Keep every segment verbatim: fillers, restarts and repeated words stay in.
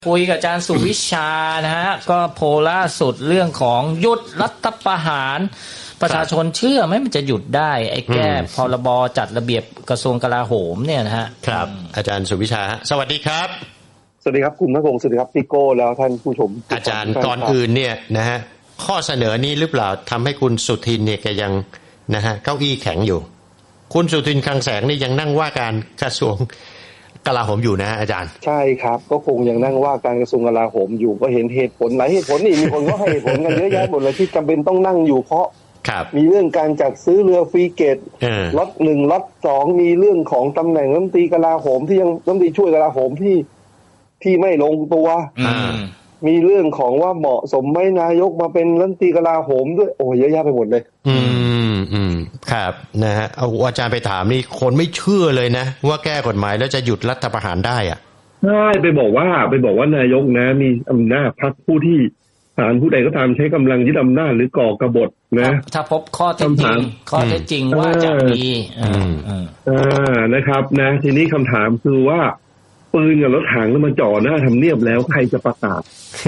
คุยกับอาจารย์สุวิชานะฮะก็โพลล่าสุดเรื่องของหยุดรัฐประหารประชาชนเชื่อไหมมันจะหยุดได้ไอ้แก้พรบจัดระเบียบกระทรวงกลาโหมเนี่ยนะฮะครับอาจารย์สุวิชาสวัสดีครับสวัสดีครับคุณณพงศ์สวัสดีครับพี่โก้แล้วท่านผู้ชมอาจารย์ก่อนอื่นเนี่ยนะฮะข้อเสนอนี้หรือเปล่าทำให้คุณสุทินเนี่ยแกยังนะฮะเก้าอี้แข็งอยู่คุณสุทินคลังแสงนี่ยังนั่งว่าการกระทรวงกลาโหมอยู่นะอาจารย์ใช่ครับก็คงยังนั่งว่าการกระทรวงกลาโหมอยู่ก็เห็นเหตุผลหลายเหตุผลนี่มีคนก็ให้เหตุผลกันเยอะแยะหมดเลยที่จำเป็นต้องนั่งอยู่เพราะมีเรื่องการจัดซื้อเรือฟรีเกตล็อตหนึ่งล็อตสองมีเรื่องของตำแหน่งรัฐมนตรีกลาโหมที่ยังรัฐมนตรีช่วยกลาโหมที่ที่ไม่ลงตัวมีเรื่องของว่าเหมาะสมไหมนายกมาเป็นรัฐมนตรีกลาโหมด้วยโอ้เยอะแยะไปหมดเลยอืมอืมครับนะฮะเอาอาจารย์ไปถามนี่คนไม่เชื่อเลยนะว่าแก้กฎหมายแล้วจะหยุดรัฐประหารได้อ่ะใช่ไปบอกว่าไปบอกว่านายกนะมีอำนาจพักผู้ที่ศาลผู้ใดก็ตามใช้กำลังยึดอำนาจหรือก่อกบฏนะถ้าพบข้อเท็จจริงข้อเท็จจริงว่าจะมีอ่านะครับนะทีนี้คำถามคือว่าปืนกับรถถังแล้วมาจ่อหน้าทำเนียบแล้วใครจะประกาศ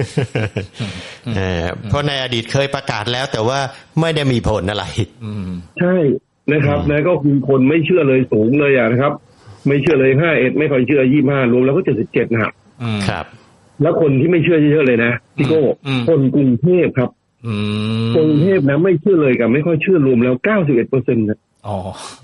เพราะในอดีตเคยประกาศแล้วแต่ว่าไม่ได้มีผลอะไรใช่นะครับนะก็คือคนไม่เชื่อเลยสูงเลยอ่ะนะครับไม่เชื่อเลยห้าเอ็ดไม่ค่อยเชื่อยี่ห้ารวมแล้วก็เจ็ดสิบเจ็ดนะครับครับแล้วคนที่ไม่เชื่อเยอะๆเลยนะพี่โก้คนกรุงเทพครับกรุงเทพนะไม่เชื่อเลยกับไม่ค่อยเชื่อรวมแล้วเก้าสิบเอ็ดเปอร์เซ็นต์นะอ๋อ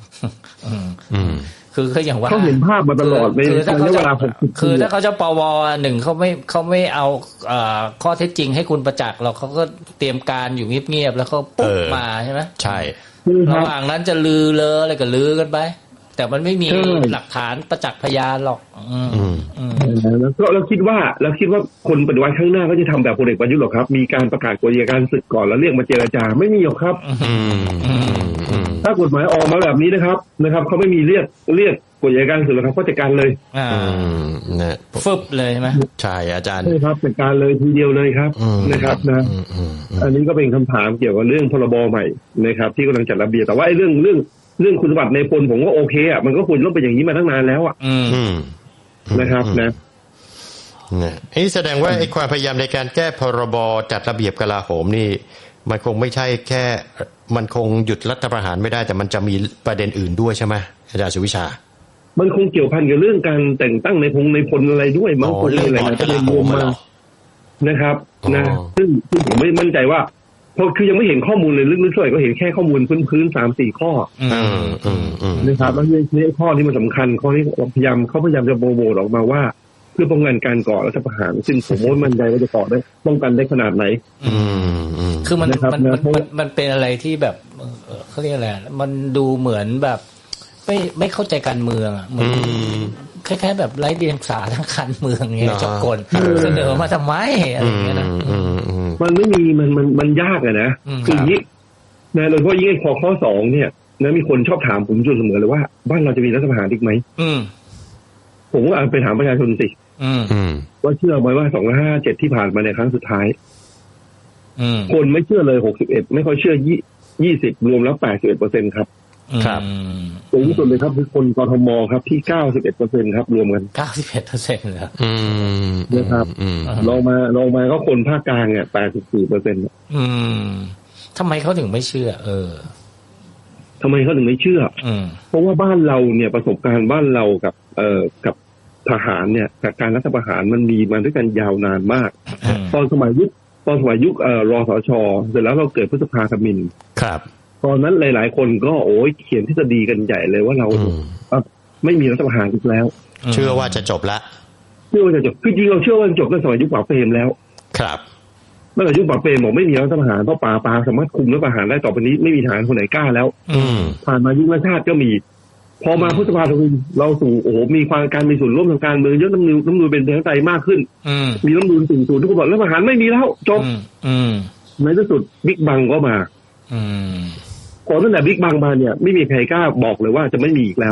คือเขาอย่างว่าเขาเห็นภาพมาตลอดในเวลาหกสิบคือถ้าเขาจะปวหนึ่งเขาไม่เขาไม่เอาข้อเท็จจริงให้คุณประจักษ์หรอกเขาก็เตรียมการอยู่เงียบๆแล้วเขาปุ๊บมาใช่ไหมใช่ระหว่างนั้นจะลือเลออะไรก็ลือกันไปแต่มันไม่มีหลักฐานประจักษ์พยานหรอกแล้วก็เราคิดว่าเราคิดว่าคนปฏิวัติข้างหน้าก็จะทำแบบพลเอกประยุทธ์หรอครับมีการประกาศกฎอัยการศึกก่อนแล้วเรียกมาเจรจาไม่มีหรอกครับถ้ากฎหมายออกมาแบบนี้นะครับนะครับเขาไม่มีเรียกเรียกกฎอัยการศึกหรอกครับเขาจัดการเลยนะฟึบเลยใช่ไหมใช่อาจารย์ใช่ครับจัดการเลยทีเดียวเลยครับนะครับนะอันนี้ก็เป็นคำถามเกี่ยวกับเรื่องพรบใหม่นะครับที่กำลังจัดระเบียบแต่ว่าไอ้เรื่องเรื่องเรื่องคุณสมบัติในพลผมก็โอเคอ่ะมันก็ควรต้องเป็นอย่างนี้มาตั้งนานแล้วอ่ะนะครับนะนี่แสดงว่าไอ้ความพยายามในการแก้พรบจัดระเบียบกลาโหมนี่มันคงไม่ใช่แค่มันคงหยุดรัฐประหารไม่ได้แต่มันจะมีประเด็นอื่นด้วยใช่ไหมอาจารย์สุวิชามันคงเกี่ยวพันกับเรื่องการแต่งตั้งในพงในพลอะไรด้วยมั้งคนอะไรนะจะเป็นรวมมานะครับนะซึ่งซึ่งผมไม่มั่นใจว่าเพราะคือยังไม่เห็นข้อมูลเลยลึกๆช่วยก็เห็นแค่ข้อมูลพื้นๆสามสี่ข้อนะครับแล้วในข้อที่มันสำคัญข้อนี้พยายามเขาพยายามจะโบโบออกมาว่าเพื่อป้องกันการก่อรัฐประหารซึ่งผมว่ามั่นใจว่าจะก่อได้ป้องกันได้ขนาดไหนคือมันมันมันมันเป็นอะไรที่แบบเขาเรียกอะไรมันดูเหมือนแบบไม่ไม่เข้าใจการเมืองอ่ะเหมือนคล้ายๆแบบไร้เดียงสาทางการเมืองเงี้ยจบกลเสนอมาทำไมอะไรอย่างเงี้ยนะมันไม่มีมันมันมันยากอะนะคืออย่างนี้นะโดยเฉพาะยิ่งไอ้ข้อข้อสองเนี่ยนะมีคนชอบถามผมจนเสมอเลยว่าบ้านเราจะมีรัฐประหารอีกไหมผมว่าไปถามประชาชนสิว่าเชื่อไหมว่าสองพันห้าร้อยห้าสิบเจ็ดที่ผ่านมาในครั้งสุดท้ายคนไม่เชื่อเลยหกสิบเอ็ดไม่ค่อยเชื่อยี่สิบรวมแล้วแปดสิบเอ็ดเปอร์เซ็นต์ครับครับสูงสุดเลยครับคือคนกทมครับที่เก้าสิบเอ็ดเปอร์เซ็นต์ครับรวมกันเก้าสิบเอ็ดเปอร์เซ็นต์เหรอนะครับลงมาลงมาก็คนภาคกลางเนี่ยแปดสิบสี่เปอร์เซ็นต์อืมทำไมเขาถึงไม่เชื่อเออทำไมเขาถึงไม่เชื่อเพราะว่าบ้านเราเนี่ยประสบการณ์บ้านเรากับเอ่อกับทหารเนี่ยกับการรัฐประหารมันมีมาด้วยกันยาวนานมากตอนสมัยยุคตอนสมัยยุคเอ่อรสช.เสร็จแล้วเราเกิดพฤษภาธมิฬครับตอนนั้นหลายๆคนก็โอ้ยเขียนทฤษฎีกันใหญ่เลยว่าเราไม่มีรัฐประหารอีกแล้วเชื่อว่าจะจบละเชื่อว่าจะจบคือจริงเราเชื่อว่าจบตั้งแต่สมัยยุคป๋าเปรมแล้วครับเมื่อยุคป๋าเปรมบอกไม่มีรัฐประหารเพราะป่าปาสามารถคุมรัฐประหารได้ต่อไปนี้ไม่มีทหารคนไหนกล้าแล้วผ่านมายุครัชชาติก็มีพอมาพุทธภาธมิฬเราสู่โอ้โหมีความการมีส่วนร่วมทางการเมืองเยอะน้ำนูนน้ำนูนเป็นประชาธิปไตยมากขึ้นมีน้ำนูนสิ่งสูงทุกคนบอกรัฐประหารไม่มีแล้วจบในที่สุดบิ๊กบังก็มาก่อนตั้งแต่บิ๊กบังมาเนี่ยไม่มีใครกล้าบอกเลยว่าจะไม่มีอีกแล้ว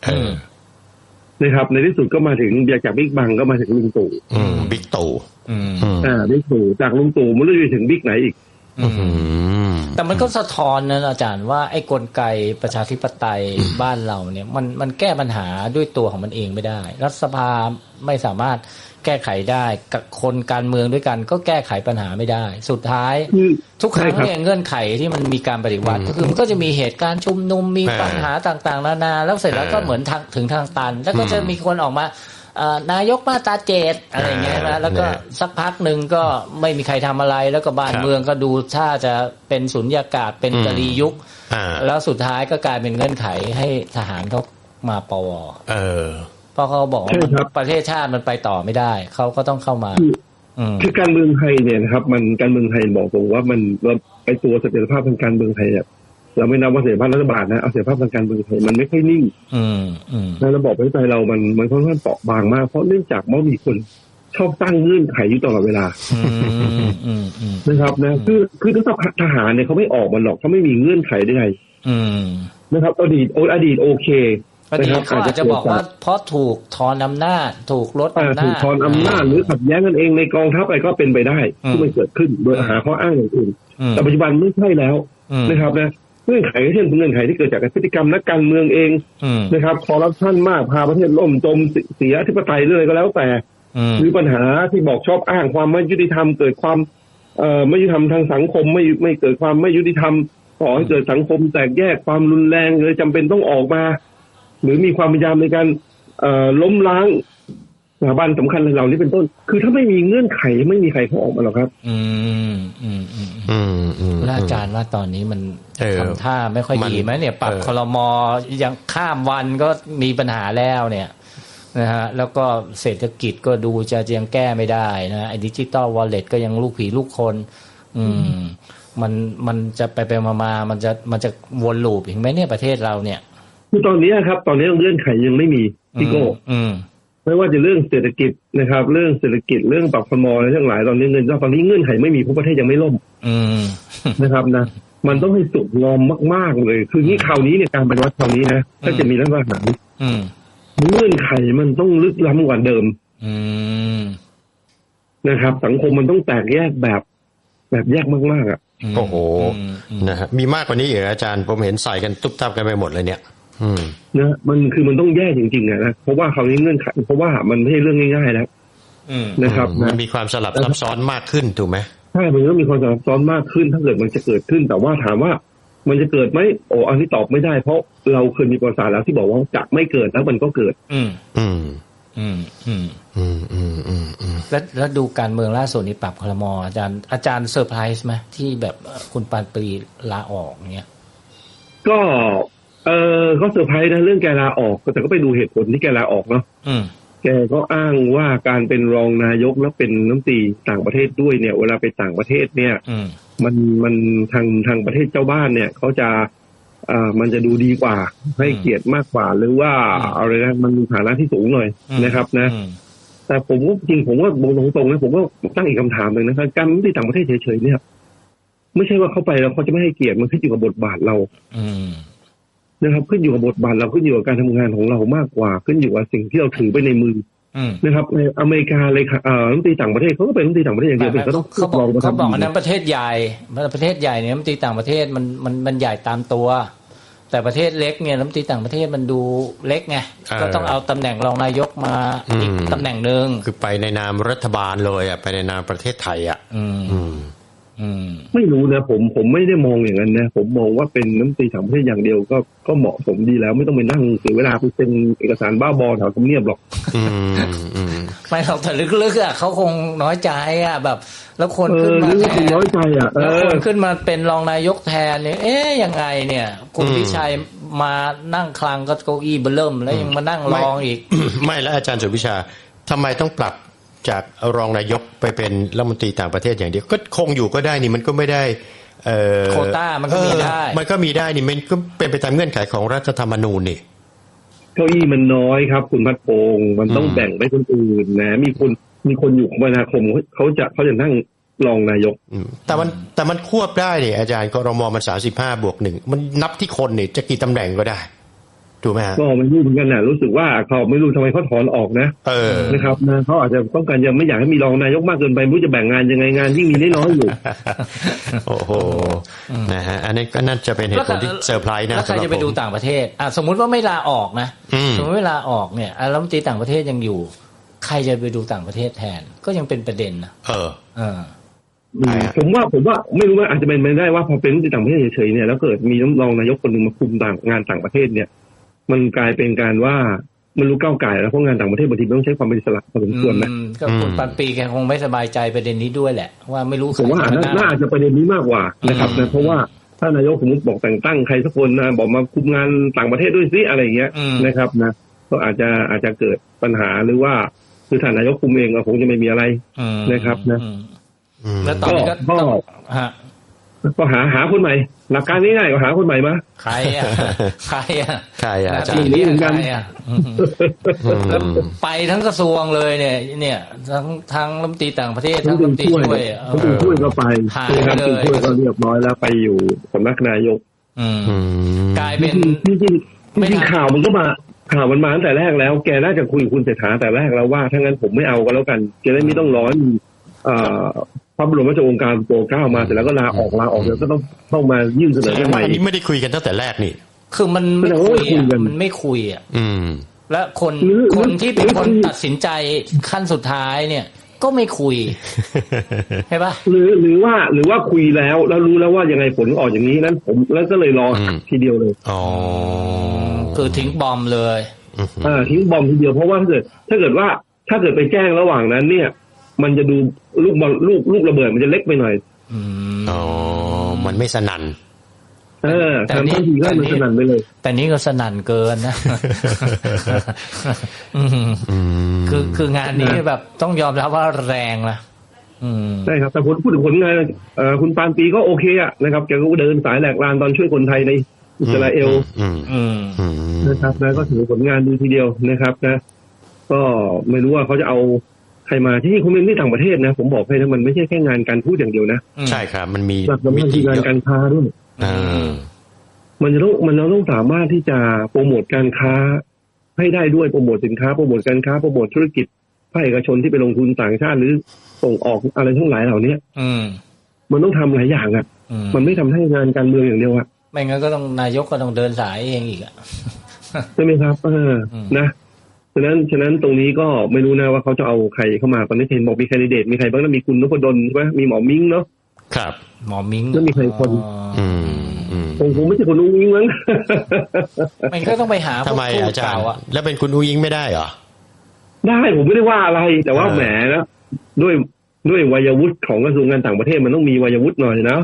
นะครับในที่สุดก็มาถึงจากบิ๊กบังก็มาถึงลุงตู่บิ๊กตู่อ่าบิ๊กตู่จากลุงตู่มันเลยถึงบิ๊กไหนอีกแต่มันก็สะท้อนนะอาจารย์ว่าไอ้กลไกประชาธิปไตยบ้านเราเนี่ยมันมันแก้ปัญหาด้วยตัวของมันเองไม่ได้รัฐสภาไม่สามารถแก้ไขได้กับคนการเมืองด้วยกันก็แก้ไขปัญหาไม่ได้สุดท้ายทุกครั้งเนี่ยเงื่อนไขที่มันมีการปฏิวัติก็คือมันก็จะมีเหตุการณ์ชุมนุมมีปัญหาต่างๆนานาแล้วเสร็จแล้วก็เหมือนทางถึงทางตันแล้วก็จะมีคนออกมานายกมาตราเจ็ดอะไรเงี้ยนะแล้วก็สักพักหนึ่งก็ไม่มีใครทำอะไรแล้วก็บ้านเมืองก็ดูถ้าจะเป็นสุญญากาศเป็นกะลียุคแล้วสุดท้ายก็กลายเป็นเงื่อนไขให้ทหารเขามาปวเออเพราะเขาบอกว่าประเทศชาติมันไปต่อไม่ได้เขาก็ต้องเข้ามาคือการเมืองไทยเนี่ยนะครับมันการเมืองไทยบอกตรงว่ามันเราไอตัวเสถียรภาพทางการเมืองไทยเนี่ยเราไม่นับว่าเสถียรภาพรัฐบาลนะเอาเสถียรภาพทางการเมืองไทยมันไม่ค่อยนิ่งในระบบประเทศไทยเรามันมันค่อนข้างเปราะบางมากเพราะเนื่องจากมันมีคนชอบตั้งเงื่อนไขอยู่ตลอดเวลานะครับนะคือคือถ้าทหารเนี่ยเขาไม่ออกมาหรอกเขาไม่มีเงื่อนไขใดๆนะครับอดีตอดีตโอเคอดีตเขาอาจจะบอกว่าเพราะถูกถอนอำนาจถูกลดอำนาจถูกถอนอำนาจหรือขัดแย้งกันเองในกองทัพอะไรก็เป็นไปได้ที่มันเกิดขึ้นโดยหาข้ออ้างอย่างอื่นแต่ปัจจุบันไม่ใช่แล้วนะครับนะเงื่อนไขเช่นเงื่อนไขที่เกิดจากพฤติกรรมนักการเมืองเองนะครับคอร์รัปชันมากพาประเทศล่มจมเสียอธิปไตยเรื่อยก็แล้วแต่หรือปัญหาที่บอกชอบอ้างความไม่ยุติธรรมเกิดความเอ่อไม่ยุติธรรมทางสังคมไม่ไม่เกิดความไม่ยุติธรรมก่อให้เกิดสังคมแตกแยกความรุนแรงเลยจำเป็นต้องออกมาหรือมีความพยายามในการเอ่อล้มล้างสถาบันสำคัญเหล่านี้เป็นต้นคือถ้าไม่มีเงื่อนไขไม่มีใครเขาออกมาหรอกครับอืมอืมอืมอืมอืมอาจารย์ว่าตอนนี้มันทำท่าไม่ค่อยดีไหมเนี่ยปรับครม.ยังข้ามวันก็มีปัญหาแล้วเนี่ยนะฮะแล้วก็เศรษฐกิจก็ดูจะยังแก้ไม่ได้นะไอ้ดิจิตอลวอลเล็ตก็ยังลูกผีลูกคนอืมมันมันจะไปไปมาๆมันจะมันจะวนลูปอีกไหมเนี่ยประเทศเราเนี่ยคือตอนนี้ครับตอนนี้เงื่อนไขยังไม่มีพี่โก้ไม่ว่าจะเรื่องเศรษฐกิจนะครับเรื่องเศรษฐกิจเรื่องปรับครม.อะไรทั้งหลายตอนนี้เงินตอนนี้เงื่อนไขไม่มีเพราะประเทศยังไม่ล่มนะครับนะมันต้องให้สุดงอมมากๆเลยคือนี่คราวนี้เนี่ยการปฏิวัติคราวนี้นะถ้าจะมีรัฐประหารเงื่อนไขมันต้องลึกล้ำกว่าเดิมนะครับสังคมมันต้องแตกแยกแบบแบบแยกมากๆอ่ะโอ้โหนะฮะมีมากกว่านี้อีกอาจารย์ผมเห็นใส่กันตุ๊บตับกันไปหมดเลยเนี่ยนะมันคือมันต้องแยกจริงๆนะเพราะว่าคราวนี้เงื่อนไขเพราะว่ามันไม่ใช่เรื่องง่ายๆแล้วนะครับมันมีความสลับซับซ้อนมากขึ้นถูกไหมใช่มันก็มีความสลับซับซ้อนมากขึ้นถ้าเกิดมันจะเกิดขึ้นแต่ว่าถามว่ามันจะเกิดไหมโอ้อันนี้ตอบไม่ได้เพราะเราเคยมีประวัติศาสตร์แล้วที่บอกว่าจะไม่เกิดแล้วมันก็เกิดอืมอืมอืมอืมอืมอืมอืมอืมแล้วแล้วดูการเมืองล่าสุดนี้ปรับครม.อาจารย์อาจารย์เซอร์ไพรส์ไหมที่แบบคุณปานปรีลาออกเงี้ยก็เออก็เซอร์ไพรส์นะเรื่องแกลาออกแต่ก็ไปดูเหตุผลที่แกลาออกเนาะแกก็อ้างว่าการเป็นรองนายกแล้วเป็นรัฐมนตรีต่างประเทศด้วยเนี่ยเวลาไปต่างประเทศเนี่ยมันมันทางทางประเทศเจ้าบ้านเนี่ยเขาจะอ่ามันจะดูดีกว่าให้เกียรติมากกว่าหรือว่าอะไรนะมันมีฐานะที่สูงหน่อยนะครับนะแต่ผมก็จริงผมก็บอกตรงๆนะผมก็ตั้งอีกคำถามหนึ่งนะครับการที่ต่างประเทศเฉยๆเนี่ยไม่ใช่ว่าเข้าไปแล้วเขาจะไม่ให้เกียรติมันขึ้นอยู่กับบทบาทเรานะครับขึ้นอยู่กับบทบาทเราขึ้นอยู่กับการทำงานของเรามากกว่าขึ้นอยู่กับสิ่งที่เราถือไปในมือนะครับในอเมริกาเลยค่ะรัฐมนตรีต่างประเทศเขาก็เป็นรัฐมนตรีต่างประเทศอย่างเดียวเขาต้องเขาบอกเขาบอกอันนั้นประเทศใหญ่ประเทศใหญ่เนี่ยรัฐมนตรีต่างประเทศมันมันมันใหญ่ตามตัวแต่ประเทศเล็กเนี่ยรัฐมนตรีต่างประเทศมันดูเล็กไงก็ต้องเอาตำแหน่งรองนายกมาอีกตำแหน่งนึงคือไปในนามรัฐบาลเลยอ่ะไปในนามประเทศไทยอ่ะไม่รู้นะผมผมไม่ได้มองอย่างนั้นนะผมมองว่าเป็นน้ำตีต่างประเทศอย่างเดียวก็ก็เหมาะสมดีแล้วไม่ต้องไปนั่งเสียเวลาไปเซ็นเอกสารบ้าบอแถวทำเนียบหรอกไม่หรอกแต่ลึกๆอ่ะเขาคงน้อยใจอ่ะแบบแล้วคนขึ้นมาแทนน้อยใจอ่ะแล้วคนขึ้นมาเป็นรองนายกแทนเนี่ยเอ๊ยยังไงเนี่ยคุณพิชัยมานั่งคลังก็เก้าอี้เบิ่มแล้วยังมานั่งรองอีกไม่แล้วอาจารย์สุวิชาทำไมต้องปรับจากรองนายกไปเป็นรัฐมนตรีต่างประเทศอย่างเดียวก็คงอยู่ก็ได้นี่มันก็ไม่ได้โควต้ามันก็มีได้มันก็มีได้นี่มันก็เป็นไปตามเงื่อนไขของรัฐธรรมนูญนี่เก้าอี้มันน้อยครับคุณพัดพงศ์มันต้องแบ่งไปคนอื่นนะมีคนมีคนอยู่คมนาคมเขาจะเขาจะนั่งรองนายกแต่มันแต่มันควบได้นี่อาจารย์กรม.มันสามสิบห้าบวกหนึ่งมันนับที่คนนี่จะกี่ตำแหน่งก็ได้ถูกไหมฮะก็ไม่รู้เหมือนกันนะรู้สึกว่าเขาไม่รู้ทำไมเขาถอนออกนะเออนะครับนะเขาอาจจะต้องการยังไม่อยากให้มีรองนายกมากเกินไปไม่รู้จะแบ่งงานยังไงงานยิ่งมีน้อยอยู่โอ้โหนะฮะอันนี้ก็น่าจะเป็นเหตุผลที่เซอร์ไพรส์นะแล้วใครจะไปดูต่างประเทศอ่ะสมมุติว่าไม่ลาออกนะสมมติไม่ลาออกเนี่ยรัฐมนตรีต่างประเทศยังอยู่ใครจะไปดูต่างประเทศแทนก็ยังเป็นประเด็นนะเออเออผมว่าผมว่าไม่รู้ว่าอาจจะเป็นไปได้ว่าพอเป็นรัฐมนตรีต่างประเทศเฉยๆเนี่ยแล้วเกิดมีรองนายกคนหนึ่งมาคุมต่างงานต่างประเทศเนี่ยมันกลายเป็นการว่ามันรู้ก้าวไก่แล้วเพราะงานต่างประเทศบางทีต้องใช้ความเป็นอิสระพอสมควรนะก็คุณปันปีแกคงไม่สบายใจประเด็นนี้ด้วยแหละว่าไม่รู้ผมว่าน่าจะประเด็นนี้มากกว่านะครับนะเพราะว่าถ้านายกสมมติบอกแต่งตั้งใครสักคนนะบอกมาคุมงานต่างประเทศด้วยซิอะไรอย่างเงี้ยนะครับนะก็อาจจะอาจจะเกิดปัญหาหรือว่าคือท่านนายกคุมเองก็คงจะไม่มีอะไรนะครับนะแล้วตอนนี้ก็ฮะก็หาหาคนใหม่หลักการง่ายๆก็หาคนใหม่มาใครอ่ะใครอ่ะใครอ่ะทีนี้เหมือนกันไปทั้งกระทรวงเลยเนี่ยเนี่ยทั้งทั้งรัฐมนตรีต่างประเทศทั้งรัฐมนตรีช่วยรัฐมนตรีช่วยก็ไปหายไปเลยช่วยก็เรียบร้อยแล้วไปอยู่สำนักนายกกลายเป็นจริงจริงจริงข่าวมันก็มาข่าวมันมาตั้งแต่แรกแล้วแกน่าจะคุยกับคุณเศรษฐาแต่แรกแล้วว่าถ้างั้นผมไม่เอาก็แล้วกันจะได้ไม่ต้องร้อนพระบรมราชโองการโปรดเกล้ามาเสร็จแล้วก็ลาออกลาออกแล้วก็ต้องต้องมายื่นเสนอกันใหม่อันนี้ไม่ได้คุยกันตั้งแต่แรกนี่คือมันไม่คุยมันไม่คุยอ่ะและคนคนที่เป็นคนตัดสินใจขั้นสุดท้ายเนี่ยก็ไม่คุยใช่ปะหรือหรือว่าหรือว่าคุยแล้วแล้วรู้แล้วว่ายังไงผลออกอย่างนี้นั้นผมแล้วก็เลยรอทีเดียวเลยอ๋อคือทิ้งบอมเลยอ่าทิ้งบอมทีเดียวเพราะว่าถ้าเกิดถ้าเกิดว่าถ้าเกิดไปแจ้งระหว่างนั้นเนี่ยมันจะดูลูกบอลลูกลูกระเบิดมันจะเล็กไปหน่อยอ๋อมันไม่สนั่นเออแต่นี่ก็มันสนั่นไปเลยแต่นี้ก็สนั่นเกินนะคือคืองานนี้แบบต้องยอมรับว่าแรงนะใช่ครับแต่ผลพูดถึงผลงานคุณปานปีก็โอเคอะนะครับแกก็เดินสายแหลกลานตอนช่วยคนไทยในอิสราเอลนะครับแล้วก็ถือผลงานดีทีเดียวนะครับนะก็ไม่รู้ว่าเขาจะเอาใครมาที่นี่คุณเป็นที่ต่างประเทศนะผมบอกให้นะมันไม่ใช่แค่งานการพูดอย่างเดียวนะใช่ครับมันมีวิธีการการค้าด้วยมันจะต้องมันต้องสามารถที่จะโปรโมทการค้าให้ได้ด้วยโปรโมทสินค้าโปรโมทการค้าโปรโมทธุรกิจภาคเอกชนที่ไปลงทุนต่างชาติหรือส่งออกอะไรทั้งหลายเหล่านี้มันต้องทำหลายอย่างอ่ะมันไม่ทำให้งานการเมืองอย่างเดียวอ่ะไม่งั้นก็ต้องนายกก็ต้องเดินสายเองอีกอ่ะใช่ไหมครับเออนะฉะนั้นฉะนั้นตรงนี้ก็ไม่รู้นะว่าเขาจะเอาใครเข้ามาตอนนี้เห็นบอกมีแคนดิเดตมีใครบ้างนะมีคุณนพดลใช่ไหมมีหมอมิ้งเนาะครับหมอมิ้งแล้วมีใครคนอืมคงคงไม่ใช่คุณอุ้งอิงมั้งมันก็ต้องไปหาทำไมอาจารย์แล้วเป็นคุณอุ้งอิงไม่ได้เหรอได้ผมไม่ได้ว่าอะไรแต่ว่าแหมนะด้วยด้วยวัยวุฒิของกระทรวงการต่างประเทศมันต้องมีวัยวุฒิหน่อยนะ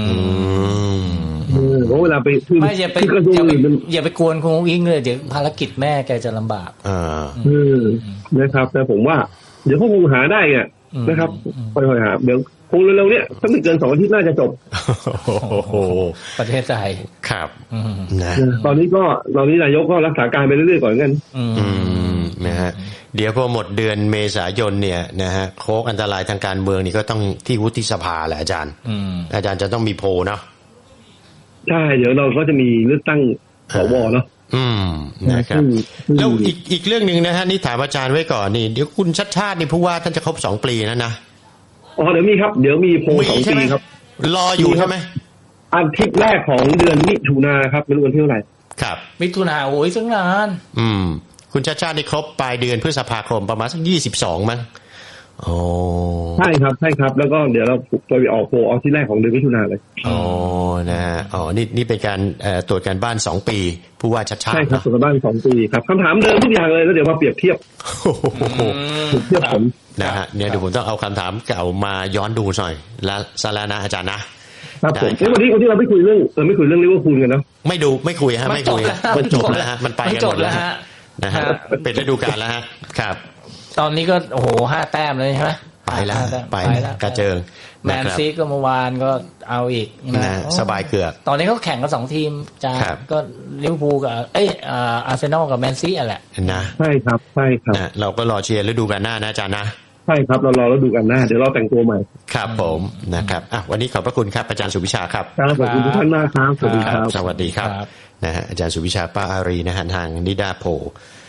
เพราะเวลาไปไม่อย่าไปอย่าไปกวนคุณอุ้งอิงเลยเดี๋ยวภารกิจแม่แกจะลำบากอ่านะครับแต่ผมว่าเดี๋ยวเขาคงหาได้ไงนะครับค่อยๆหาเดี๋ยวคงเร็วๆเนี้ยถ้าไม่เกินสองอาทิตย์น่าจะจบโอ้โหประเทศไทยครับนะตอนนี้ก็ตอนนี้นายกก็รักษาการไปเรื่อยๆก่อนกันอืมนะฮะเดี๋ยวพอหมดเดือนเมษายนเนี่ยนะฮะโค้กอันตรายทางการเมืองนี่ก็ต้องที่วุฒิสภาแหละอาจารย์อาจารย์จะต้องมีโพลเนาะใช่เดี๋ยวเราก็จะมีเลือกตั้งสวเนาะอืมนะครับแล้วอีกอีกเรื่องนึงนะฮะนี่ถามอาจารย์ไว้ก่อนนี่เดี๋ยวคุณชัดชาตินี่ผู้ว่าท่านจะครบสองปีแล้วนะอ๋อเดี๋ยวมีครับเดี๋ยวมีโพลสองปีครับรออยู่ใช่ไหมอาทิตย์แรกของเดือนมิถุนาครับไม่รู้วันที่เท่าไหร่ครับมิถุนาโอ้ยตั้งนานอืมคุณชัดชาตินี่ครบปลายเดือนพฤษภาคมประมาณสักยี่สิบสองมั้งโอ้ใช่ครับใช่ครับแล้วก็เดี๋ยวเราไปออกโพลออกที่แรกของเดือนมิถุนาเลยอ๋อนะอ๋อนี่นี่เป็นการตรวจการบ้านสองปีผู้ว่าชัดชาติใช่ครับตรวจการบ้านสองปีครับคำถามเดิมทุกอย่างเลยแล้วเดี๋ยวมาเปรียบเทียบเทียบผลนะฮะเนี่ยเดี๋ยวผมต้องเอาคำถามเก่ามาย้อนดูหน่อยแล้วซะแล้วนะอาจารย์นะครับผมวันนี้วันนี้เราไม่คุยเรื่องเราไม่คุยเรื่องลิเวอร์พูลกันเนาะไม่ดูไม่คุยฮะไม่คุยมันจบแล้วฮะมันไปกันหมดแล้วฮะนะฮะเป็นฤดูกาลแล้วฮะครับตอนนี้ก็โอ้โหห้าแต้มเลยใช่ไหมไปแล้วไปแล้วกระเจิงแมนซีก็เมื่อวานก็เอาอีกนะสบายเกือกตอนนี้เขาแข่งกันสองทีมจ้าก็ลิเวอร์พูลกับเอ้ยอาร์เซนอลกับแมนซีอ่ะแหละนะใช่ครับใช่ครับเราก็รอเชียร์ฤดูกาลหน้านะอาจารย์นะใช่ครับเรารอฤดูกาลหน้าเดี๋ยวเราแต่งตัวใหม่ครับผมนะครับอ่ะวันนี้ขอบพระคุณครับอาจารย์สุวิชาครับขอบคุณทุกท่านมากครับสวัสดีครับสวัสดีครับนะฮะอาจารย์สุวิชาป้าอารีนะฮะทางนิดาโพ